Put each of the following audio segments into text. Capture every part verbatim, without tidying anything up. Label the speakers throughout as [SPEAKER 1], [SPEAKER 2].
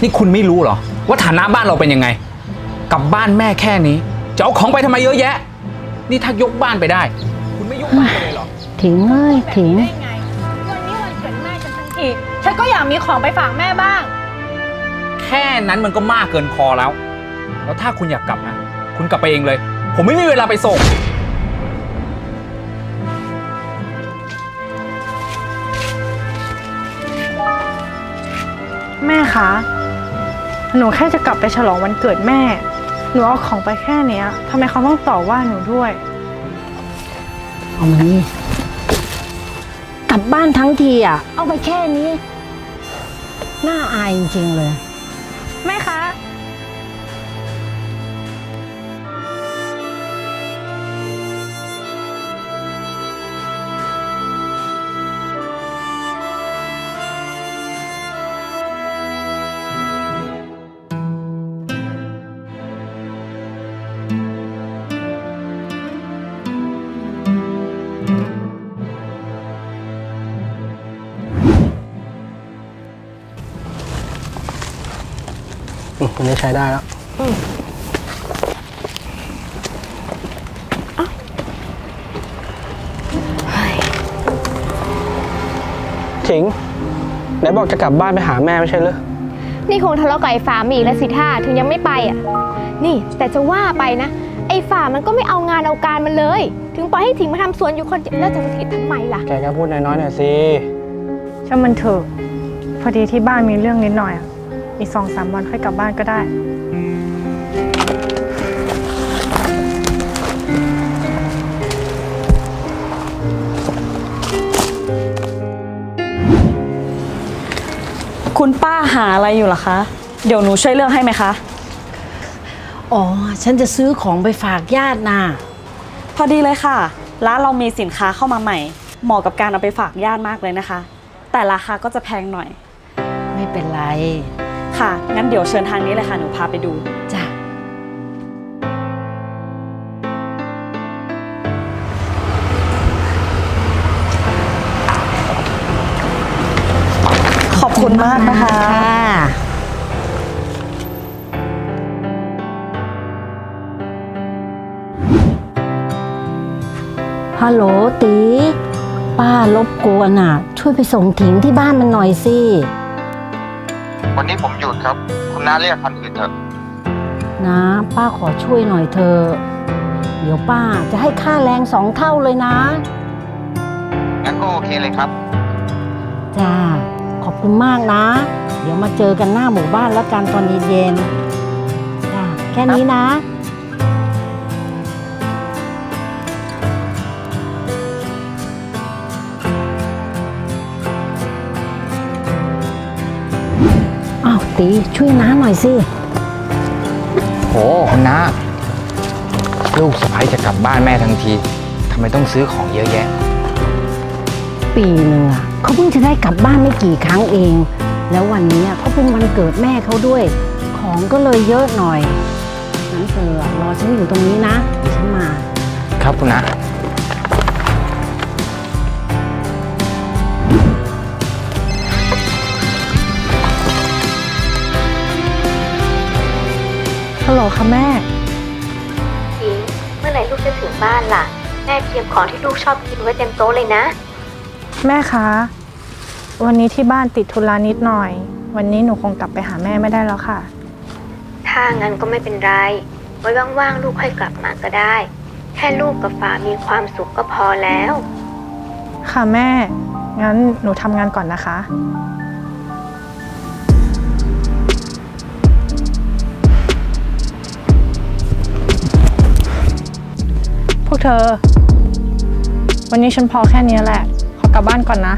[SPEAKER 1] นี่คุณไม่รู้เหรอว่าฐานะบ้านเราเป็นยังไงกับบ้านแม่แค่นี้จะเอาของไปทำไมเยอะแยะนี่ถ้ายกบ้านไปได้คุณไม่ยกบ้านไปเลยเหรอ
[SPEAKER 2] ถิงเอ้ยถิง
[SPEAKER 3] ได้ไงวันนี้วันเกิดแม่ฉันทั้งทีฉันก็อยากมีของไปฝากแม่บ้าง
[SPEAKER 1] แค่นั้นมันก็มากเกินพอแล้วแล้วถ้าคุณอยากกลับนะคุณกลับไปเองเลยผมไม่มีเวลาไปส่ง
[SPEAKER 3] แม่คะหนูแค่จะกลับไปฉลองวันเกิดแม่หนูเอาของไปแค่เนี้ยทำไมเขาต้องต่อว่าหนูด้วย
[SPEAKER 2] เอามานี่กลับบ้านทั้งทีอ่ะเอาไปแค่นี้น่าอายจริงๆเลย
[SPEAKER 3] แม่คะ
[SPEAKER 4] อันนี้ใช้ได้แล้วถิงไหนบอกจะกลับบ้านไปหาแม่ไม่ใช่เหรอ
[SPEAKER 5] นี่คงทะเลาะกับไอ้ฝามีอีกแล้วสิท่าถึงยังไม่ไปอ่ะนี่แต่จะว่าไปนะไอ้ฝามันก็ไม่เอางานเอาการมันเลยถึงปล่อยให้ถิงมาทำสวนอยู่คนเดียวแล้วจะสถิตทำไมล่ะ
[SPEAKER 4] แกก็พูดน้อยๆหน่อยสิ
[SPEAKER 3] ช่างมันเถอะพอดีที่บ้านมีเรื่องนิดหน่อยอ่ะอีกสองสามวันค่อยกลับบ้านก็ได้
[SPEAKER 6] คุณป้าหาอะไรอยู่ล่ะคะเดี๋ยวหนูช่วยเลือกให้ไหมคะ
[SPEAKER 2] อ๋อฉันจะซื้อของไปฝากญาติน่ะ
[SPEAKER 6] พอดีเลยค่ะร้านเรามีสินค้าเข้ามาใหม่เหมาะกับการเอาไปฝากญาติมากเลยนะคะแต่ราคาก็จะแพงหน่อย
[SPEAKER 2] ไม่เป็นไร
[SPEAKER 6] ค่ะงั้นเดี๋ยวเชิญทางนี้เลยค่ะหนูพาไปดู
[SPEAKER 2] จ้ะ
[SPEAKER 6] ขอบคุณมากนะคะ
[SPEAKER 2] ฮัลโหลตีป้ารบกวนอ่ะช่วยไปส่งถิงที่บ้านมันหน่อยสิ
[SPEAKER 7] วันนี้ผมหยุดครับคุณน้าเรียกคันอื่นเถอะ
[SPEAKER 2] นะป้าขอช่วยหน่อยเถอะเดี๋ยวป้าจะให้ค่าแรงสองเท่าเลยนะ
[SPEAKER 7] งั้นก็โอเคเลยครับ
[SPEAKER 2] จ้าขอบคุณมากนะเดี๋ยวมาเจอกันหน้าหมู่บ้านแล้วกันตอนเย็นๆจ้าแค่นี้นะอ้าวตีช่วยน้าหน่อยสิ
[SPEAKER 1] โหคุณน้าลูกสะใภ้จะกลับบ้านแม่ทั้งทีทำไมต้องซื้อของเยอะแยะ
[SPEAKER 2] ปีหนึ่งอ่ะเขาเพิ่งจะได้กลับบ้านไม่กี่ครั้งเองแล้ววันนี้ก็เป็นวันเกิดแม่เขาด้วยของก็เลยเยอะหน่อยงั้นเธอรอฉันอยู่ตรงนี้นะเดี๋ยวฉันมา
[SPEAKER 1] ครับคุณน้า
[SPEAKER 3] ฮัลโหลค่ะแม่
[SPEAKER 5] ถิงเมื่อไหร่ลูกจะถึงบ้านล่ะแม่เตรียมของที่ลูกชอบกินไว้เต็มโต๊ะเลยนะ
[SPEAKER 3] แม่คะวันนี้ที่บ้านติดธุระนิดหน่อยวันนี้หนูคงกลับไปหาแม่ไม่ได้แล้วค่ะ
[SPEAKER 5] ถ้างั้นก็ไม่เป็นไรไว้ว่างๆลูกค่อยกลับมาก็ได้แค่ลูกกับฝามีความสุขก็พอแล้ว
[SPEAKER 3] ค่ะแม่งั้นหนูทำงานก่อนนะคะพวกเธอวันนี้ฉันพอแค่นี้แหละขอกลับบ้านก่อนนะ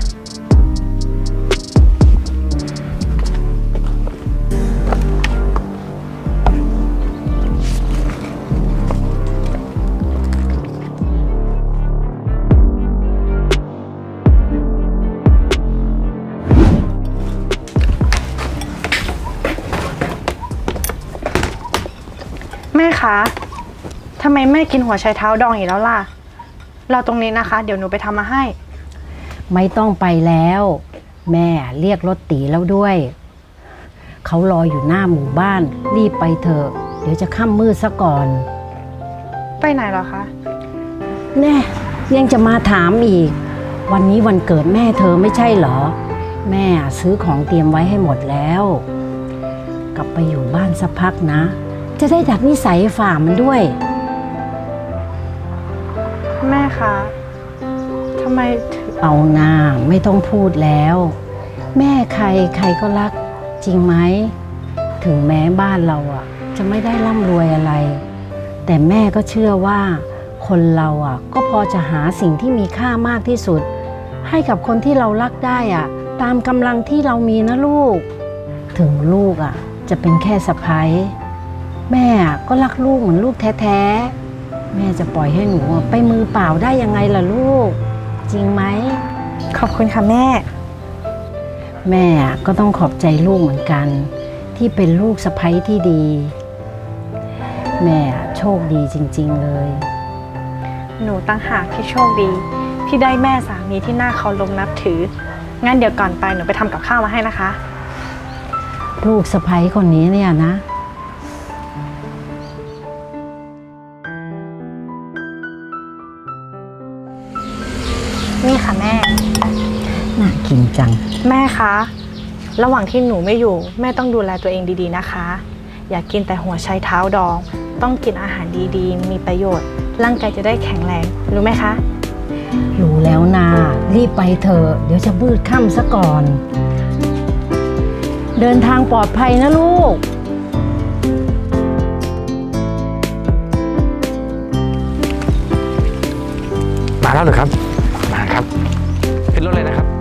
[SPEAKER 3] แม่คะทำไมแม่กินหัวไชเท้าดองอีกแล้วล่ะรอตรงนี้นะคะเดี๋ยวหนูไปทำมาให้
[SPEAKER 2] ไม่ต้องไปแล้วแม่เรียกรถตีแล้วด้วยเขารออยู่หน้าหมู่บ้าน รีบไปเถอะ เดี๋ยวจะค่ำมืดซะก่อน
[SPEAKER 3] ไปไหนเหรอคะ
[SPEAKER 2] แน่ยังจะมาถามอีก วันนี้วันเกิดแม่เธอไม่ใช่เหรอ แม่ซื้อของเตรียมไว้ให้หมดแล้ว กลับไปอยู่บ้านสักพักนะ จะได้ดัดนิสัยฝ่ามันด้วย
[SPEAKER 3] แม่คะทำไมถึง
[SPEAKER 2] เอาหน้าไม่ต้องพูดแล้ว แม่ใครใครก็รักจริงไหม ถึงแม้บ้านเราอ่ะ จะไม่ได้ร่ำรวยอะไร แต่แม่ก็เชื่อว่า คนเราอ่ะ ก็พอจะหาสิ่งที่มีค่ามากที่สุด ให้กับคนที่เรารักได้อ่ะ ตามกำลังที่เรามีนะลูก ถึงลูกอ่ะ จะเป็นแค่สะใภ้แม่ก็รักลูกเหมือนลูกแท้ๆแม่จะปล่อยให้หนูไปมือเปล่าได้ยังไงล่ะลูก จริงไหม
[SPEAKER 3] ขอบคุณค่ะแม่
[SPEAKER 2] แม่ก็ต้องขอบใจลูกเหมือนกัน ที่เป็นลูกสะใภ้ที่ดี แม่โชคดีจริงๆเลย
[SPEAKER 3] หนูตั้งหากที่โชคดี ที่ได้แม่สามีที่น่าเคารพนับถือ งั้นเดี๋ยวก่อนไปหนูไปทำกับข้าวมาให้นะคะ
[SPEAKER 2] ลูกสะใภ้คนนี้เนี่ยนะ
[SPEAKER 3] นี่ค่ะแม่
[SPEAKER 2] น่ากินจัง
[SPEAKER 3] แม่คะ ระหว่างที่หนูไม่อยู่ แม่ต้องดูแลตัวเองดีๆนะคะ อย่ากกินแต่หัวไชเท้าดอง ต้องกินอาหารดีๆ มีประโยชน์ ร่างกายจะได้แข็งแรง รู้ไหมคะ
[SPEAKER 2] รู้แล้วนารีบไปเถอะเดี๋ยวจะมืดค่ำซะก่อน เดินทางปลอดภัยนะลูก
[SPEAKER 4] มาแล้วเหรอครับ มาครับ ขึ้นรถเลยนะครับ